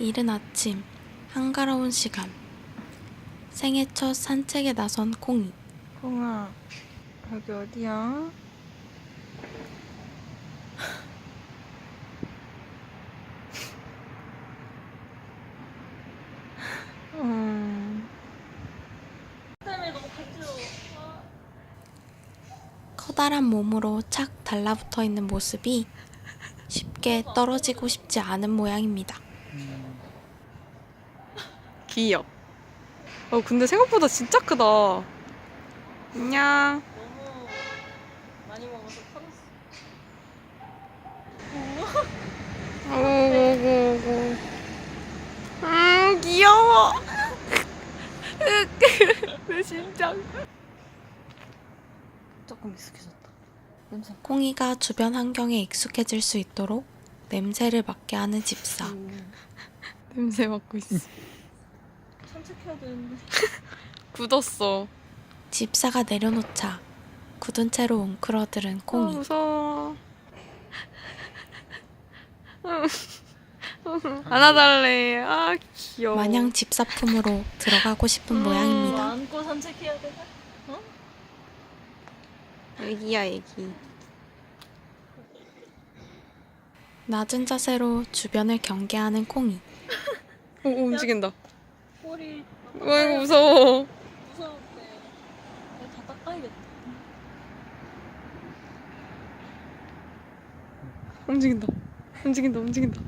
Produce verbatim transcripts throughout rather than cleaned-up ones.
이른 아침, 한가로운 시간. 생애 첫 산책에 나선 콩이. 콩아, 여기 어디야? 음. 커다란 몸으로 착 달라붙어 있는 모습이 쉽게 떨어지고 싶지 않은 모양입니다. 귀여워. 어, 근데 생각보다 진짜 크다. 안녕. 너무 많이 먹어서 터졌어. 오고고고. 음, 귀여워. 내 심장. 조금 익숙해졌다. 냄새. 콩이가 주변 환경에 익숙해질 수 있도록 냄새를 맡게 하는 집사. 음. 냄새 맡고 있어. 산책해야 되는데. 굳었어. 집사가 내려놓자 굳은 채로 웅크러들은 아, 콩이. 무서워. 안아달래. 아, 귀여워. 마냥 집사 품으로 들어가고 싶은 음. 모양입니다. 안고 산책해야 되나? 어? 애기야, 애기. 낮은 자세로 주변을 경계하는 콩이. 오, 오, 움직인다. 꼬리 와, 이거 무서워. 무서운데. 내가 다 닦아야겠다. 움직인다. 움직인다, 움직인다.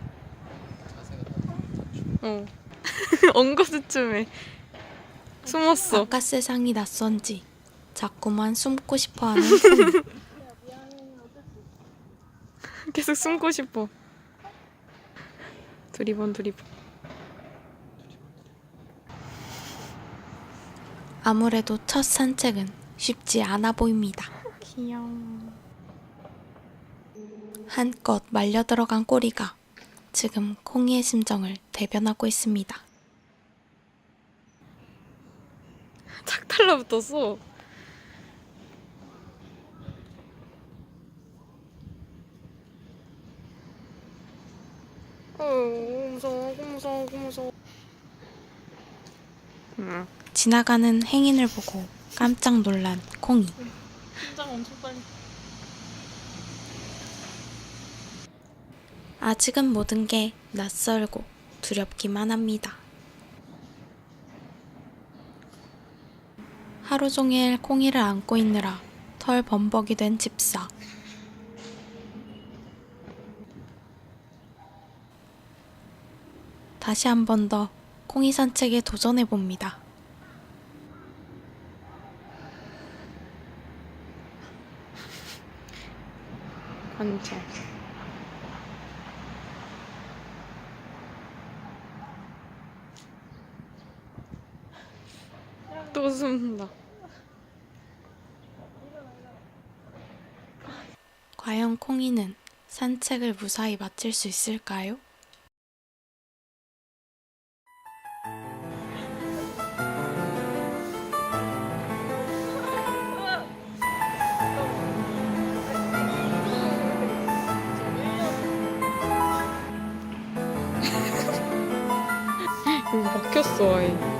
어. 엉거주춤해. 숨었어. 바깥 세상이 낯선지 자꾸만 숨고 싶어하는 콩이. 계속 숨고 싶어. 두리번, 두리번. 아무래도 첫 산책은 쉽지 않아 보입니다. 귀여워. 한껏 말려 들어간 꼬리가 지금 콩이의 심정을 대변하고 있습니다. 착 달라붙었어. 어, 무서워, 무서워, 무서워. 응. 지나가는 행인을 보고 깜짝 놀란 콩이. 심장 엄청 빨리. 아직은 모든 게 낯설고 두렵기만 합니다. 하루 종일 콩이를 안고 있느라 털 범벅이 된 집사. 다시 한 번 더 콩이 산책에 도전해 봅니다. 앉아. 또 숨는다. 과연 콩이는 산책을 무사히 마칠 수 있을까요? 여기 막혔어, 아예.